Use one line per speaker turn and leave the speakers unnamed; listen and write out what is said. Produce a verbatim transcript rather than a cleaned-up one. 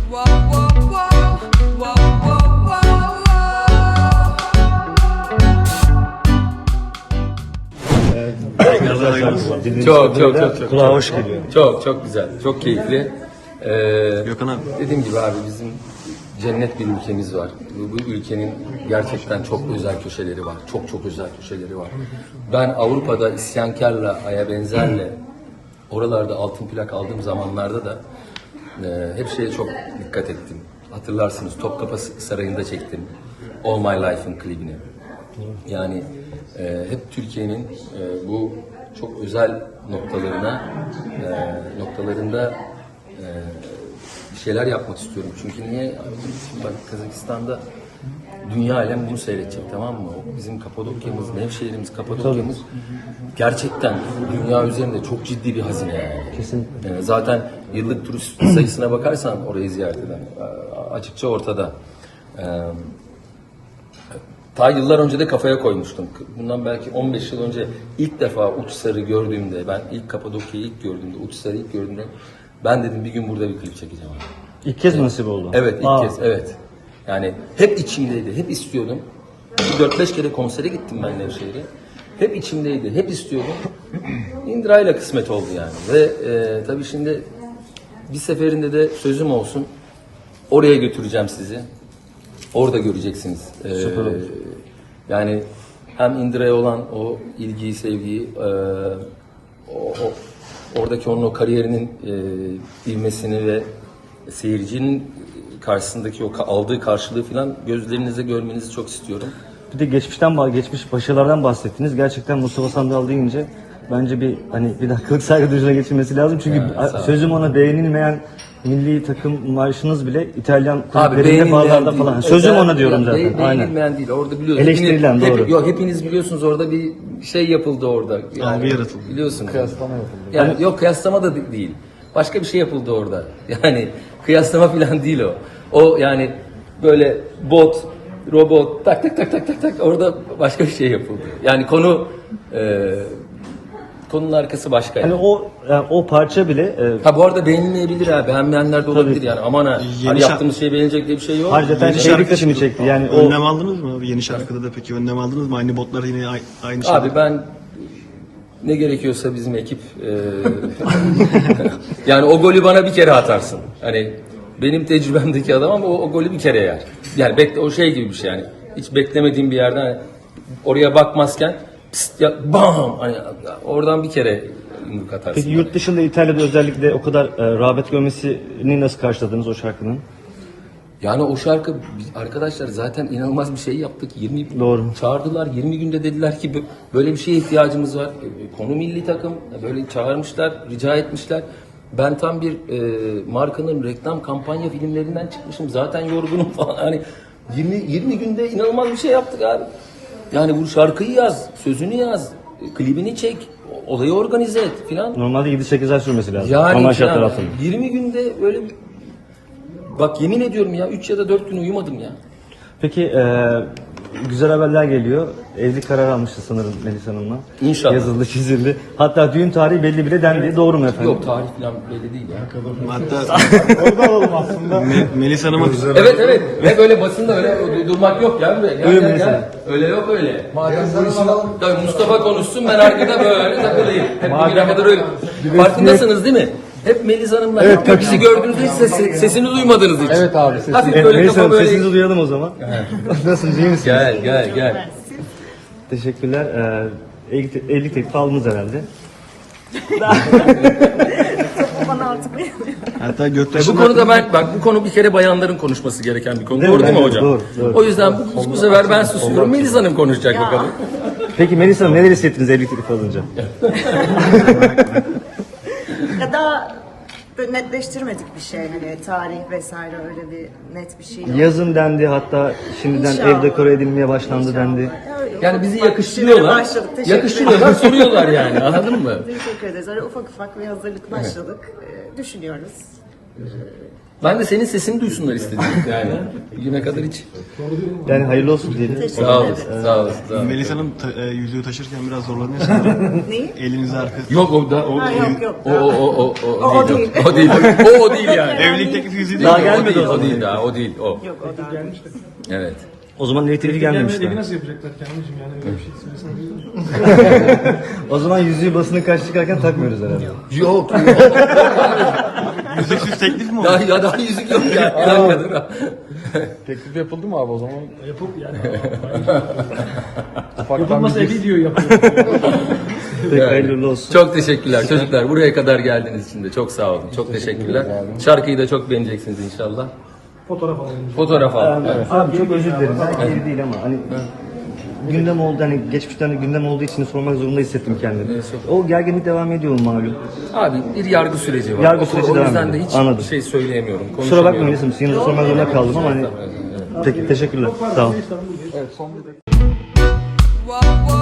Çok çok çok çok.
Kulağa hoş geliyor.
Çok çok güzel, çok keyifli. Ee,
Gökhan abi.
Dediğim gibi abi bizim cennet bir ülkemiz var. Bu, bu ülkenin gerçekten çok özel köşeleri var. Çok çok özel köşeleri var. Ben Avrupa'da isyankarla, aya benzerle oralarda altın plak aldığım zamanlarda da e, hep şeye çok dikkat ettim. Hatırlarsınız Topkapı Sarayı'nda çektim All My Life'ın klibini. Yani e, hep Türkiye'nin e, bu çok özel noktalarına e, noktalarında e, bir şeyler yapmak istiyorum. Çünkü niye? Bak Kazakistan'da dünya alem bunu seyredecek, tamam mı? O bizim Kapadokya'mız, Nevşehir'imiz, Kapadokya'mız gerçekten dünya üzerinde çok ciddi bir hazine yani.
Kesinlikle.
Yani zaten yıllık turist sayısına bakarsan orayı ziyaret eden açıkça ortada. Ee, Ta yıllar önce de kafaya koymuştum. Bundan belki on beş yıl önce ilk defa Uçsar'ı gördüğümde, ben ilk Kapadokya'yı ilk gördüğümde, Uçsar'ı ilk gördüğümde ben dedim bir gün burada bir klip çekeceğim.
İlk kez mi nasip oldu?
Evet, ilk
Aa.
kez, evet. Yani hep içimdeydi, hep istiyordum. dört beş kere konsere gittim ben Nevşehir'e. Hep içimdeydi, hep istiyordum. İndirayla kısmet oldu yani. Ve e, tabii şimdi bir seferinde de sözüm olsun, oraya götüreceğim sizi. Orada göreceksiniz. Ee,
Süper olur.
Yani hem Indira'ya olan o ilgiyi, sevgiyi, e, o, o, oradaki onun o kariyerinin e, ivmesini ve seyircinin karşısındaki o aldığı karşılığı falan gözlerinizde görmenizi çok istiyorum.
Bir de geçmişten bah- geçmiş başarılardan bahsettiniz. Gerçekten Mustafa Sandal deyince bence bir hani bir dakikalık saygı duruşuna geçilmesi lazım. Çünkü
Evet,
a-
sağ ol.
sözüm ona beğenilmeyen milli takım marşınız bile İtalyan
Abi
kulüplerinde,
beğenilmeyen
barlarda
değil.
falan. Sözüm
Özel-
ona diyorum
ya,
zaten.
be-
Aynen.
Beğenilmeyen değil. Orada biliyorsunuz.
Eleştirilen,
hepiniz,
doğru.
Hep, yok, hepiniz biliyorsunuz orada bir şey yapıldı orada. Yani,
Algı yaratıldı.
Biliyorsunuz. Kıyaslama yapıldı. Yani yok kıyaslama da de- değil. Başka bir şey yapıldı orada. Yani kıyaslama falan değil o. O yani böyle bot, robot tak tak tak tak tak tak orada başka bir şey yapıldı. Yani konu e, konunun arkası başka.
Hani
Yani.
o yani o parça bile e,
Ha bu arada beğenilmeyebilir ha. Beğenmeyenler de olabilir
Tabii.
yani. Aman ha.
Yeni
Hani
şarkı-
yaptığımız şey beğenilecek diye bir şey yok.
Harcaten
Yeni
şey
şarkı
dikkatimi
çıktı.
çekti. Yani o
Önlem aldınız mı? Yeni şarkıda da peki önlem aldınız mı? Aynı botlar yine ay- aynı şey.
Abi ben ne gerekiyorsa bizim ekip e, yani o golü bana bir kere atarsın. Hani benim tecrübemdeki adam ama o, o golü bir kere yer. Yani bekle o şey gibi bir şey yani. Hiç beklemediğim bir yerden hani oraya bakmazken pst, ya, bam hani oradan bir kere yumruk atarsın.
Peki yurt dışında İtalya'da özellikle o kadar e, rağbet görmesini nasıl karşıladınız o şarkının?
Yani o şarkı biz- arkadaşlar zaten inanılmaz bir şey yaptık. yirmi
Doğru.
çağırdılar. yirmi günde dediler ki "Bu- böyle bir şeye ihtiyacımız var. E, Konu milli takım. E, Böyle çağırmışlar, rica etmişler. Ben tam bir e, markanın reklam kampanya filmlerinden çıkmışım. Zaten yorgunum falan. Hani yirmi yirmi günde inanılmaz bir şey yaptık abi. Yani bu şarkıyı yaz, sözünü yaz, e, klibini çek, o- olayı organize et filan.
Normalde yedi sekiz ay sürmesi lazım.
Yani
Normal şartlar
filan.
altında.
yirmi günde böyle bir- bak yemin ediyorum ya üç ya da dört gün uyumadım ya.
Peki e, güzel haberler geliyor. Evlilik kararı almıştı sanırım Melis Hanım'la.
İnşallah.
Yazıldı, çizildi. Hatta düğün tarihi belli bile dendi. Doğru mu efendim?
Yok tarih falan belli değil ya.
Hatta
Orada alalım aslında.
Me- Melis Hanım'a
Evet evet. Ve böyle basında öyle durmak yok ya. Gel,
Öyle
gel,
mesela.
gel. Öyle yok öyle. Madem bu işin... Tabii Mustafa konuşsun ben arkada böyle takılayım. Hep bugüne kadar öyle. Farkındasınız değil mi? Hep Melis Hanım'la.
Evet,
Evet, bizi gördüğünüzde hiç ses, sesini duymadınız hiç.
Evet abi, sesini-
Hafif
Evet,
böyle
Melis
kafa
Hanım
böyle.
sesinizi duyalım o zaman. Nasılsınız, iyi misiniz?
Gel gel gel.
Teşekkürler. Ee, evlilik, evlilik teklifi aldınız herhalde.
Bana artık
hatta
E
Göktaş'ın
bu konuda ben bak bu konu bir kere bayanların konuşması gereken bir konu.
Değil
doğru
mi?
değil mi
Evet,
hocam?
doğru, doğru.
O yüzden bu, bu sefer ben susuyorum. Melis Hanım konuşacak bakalım.
Peki Melis Hanım neler hissettiniz evlilik teklifi alınca?
ya da böyle netleştirmedik bir şey hani tarih vesaire öyle bir net bir şey yok.
Yazın dendi, hatta şimdiden
İnşallah.
ev dekore edilmeye başlandı dendi.
Ya öyle
Yani
ufak
bizi
ufak
yakıştırıyorlar.
şeylere başladık. Teşekkür
Yakıştırıyorlar,
ederim.
soruyorlar yani. Anladın mı?
Teşekkür ederiz. Öyle ufak ufak bir hazırlık başladık. Ee, düşünüyoruz. Ee,
Ben de senin sesini duysunlar istedim yani. Bugüne kadar hiç.
Yani hayırlı olsun diyelim.
Teşekkür
Sağ
ederim.
olasın, sağ olasın. Sağ olasın.
Melis Hanım ta- e, yüzüğü taşırken biraz zorlanıyor sanırım.
Neyi?
Elinizi arkası.
Yok o da o,
Ha, yok, yok.
o, o, o, o, o,
O- o
değil.
değil.
O değil. O, o değil yani.
Evlilik teklifi yüzüğü
Daha
değil mi?
gelmedi
o değil,
o
o
zaman.
değil daha, o değil, o.
Yok o da.
Evet.
O zaman ev teklifi gelmemiş
Evi
daha.
nasıl yapacaklar Kamil'cim yani öyle bir şey söylesene.
O zaman yüzüğü basına karşı çıkarken takmıyoruz herhalde.
Yok.
Yüzüksüz teklif mi oldu?
Daha, ya daha yüzük yok ya. Bir dakika dur.
Teklif yapıldı mı abi o zaman?
Yapıp yani.
Ufaktan
Yapılmasa
bir
evi diyor yapıyor.
Peki hayırlı olsun.
Çok teşekkürler çocuklar. Buraya kadar geldiğiniz için de çok sağ olun. Çok teşekkürler. Şarkıyı da çok beğeneceksiniz inşallah.
Fotoğraf alalım.
Fotoğraf al.
Abi çok özür dilerim. Belki evi değil ama hani gündem oldu hani geçmişten de gündem olduğu için sormak zorunda hissettim kendimi. O gerginlik devam ediyor malum.
Abi bir yargı süreci var.
Yargı
O-
süreci
o
devam
yüzden de
ediyor.
hiç
Anladım.
şey söyleyemiyorum.
Kusura
konuşamıyorum.
bakmayın Elis'im. Yine de sormak zorunda kaldım ama hani peki teşekkürler. Sağ olun.
evet son bir
Whoa, whoa.